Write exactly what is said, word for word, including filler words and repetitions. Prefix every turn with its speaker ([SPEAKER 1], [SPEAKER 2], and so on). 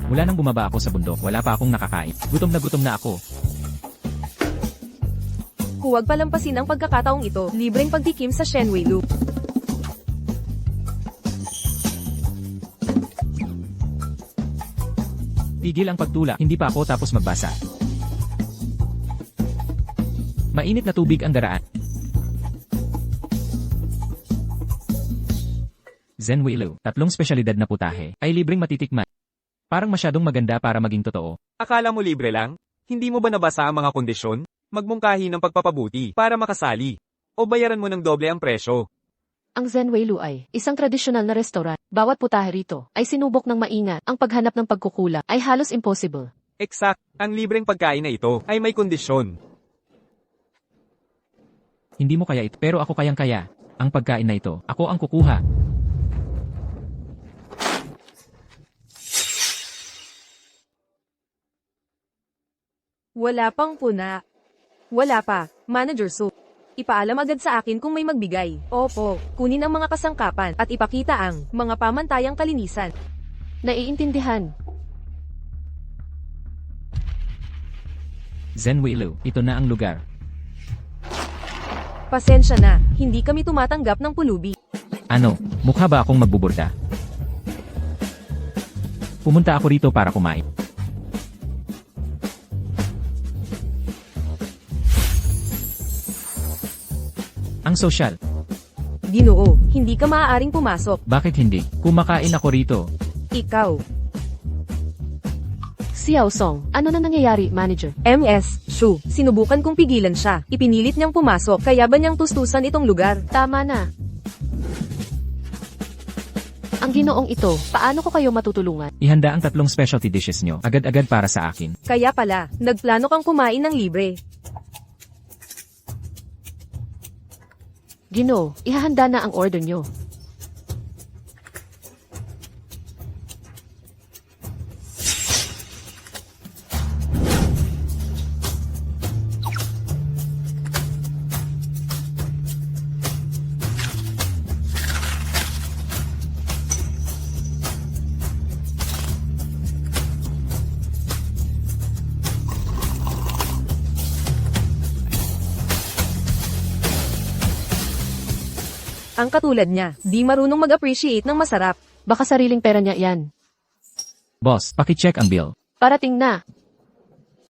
[SPEAKER 1] Mula nang bumaba ako sa bundok, wala pa akong nakakain. Gutom na gutom na ako.
[SPEAKER 2] Huwag palampasin ang pagkakataong ito. Libreng pagtikim sa Shenwei Loop.
[SPEAKER 1] Tigil ang pagtula, hindi pa ako tapos magbasa. Mainit na tubig ang daraan. Zen Weilu, tatlong spesyalidad na putahe, ay libreng matitikman. Parang masyadong maganda para maging totoo.
[SPEAKER 3] Akala mo libre lang? Hindi mo ba nabasa ang mga kondisyon? Magmungkahi ng pagpapabuti para makasali. O bayaran mo ng doble ang presyo.
[SPEAKER 4] Ang Zen Weilu ay isang tradisyonal na restaurant. Bawat putahe rito ay sinubok ng maingat. Ang paghanap ng pagkukula ay halos impossible.
[SPEAKER 3] Exact, ang libreng pagkain na ito ay may kondisyon.
[SPEAKER 1] Hindi mo kaya ito, pero ako kayang-kaya. Ang pagkain na ito, ako ang kukuha.
[SPEAKER 2] Wala pang puna. Wala pa, Manager Su. Ipaalam agad sa akin kung may magbigay. Opo, kunin ang mga kasangkapan at ipakita ang mga pamantayang kalinisan.
[SPEAKER 4] Naiintindihan.
[SPEAKER 1] Zen Weilu, ito na ang lugar.
[SPEAKER 2] Pasensya na, hindi kami tumatanggap ng pulubi.
[SPEAKER 1] Ano, mukha ba akong magbuburda? Pumunta ako rito para kumain. Ang sosyal.
[SPEAKER 2] Ginoo, hindi ka maaaring pumasok.
[SPEAKER 1] Bakit hindi? Kumakain ako rito.
[SPEAKER 2] Ikaw.
[SPEAKER 4] Xiao Song, ano na nangyayari, Manager?
[SPEAKER 2] M S, Shu, sinubukan kong pigilan siya. Ipinilit niyang pumasok, kaya ba niyang tustusan itong lugar?
[SPEAKER 4] Tama na. Ang ginoong ito, paano ko kayo matutulungan?
[SPEAKER 1] Ihanda ang tatlong specialty dishes nyo, agad-agad para sa akin.
[SPEAKER 2] Kaya pala, nagplano kang kumain ng libre.
[SPEAKER 4] Ginoo, ihahanda na ang order nyo.
[SPEAKER 2] Ang katulad niya, di marunong mag-appreciate ng masarap.
[SPEAKER 4] Baka sariling pera niya yan.
[SPEAKER 1] Boss, pakicheck ang bill.
[SPEAKER 4] Parating na.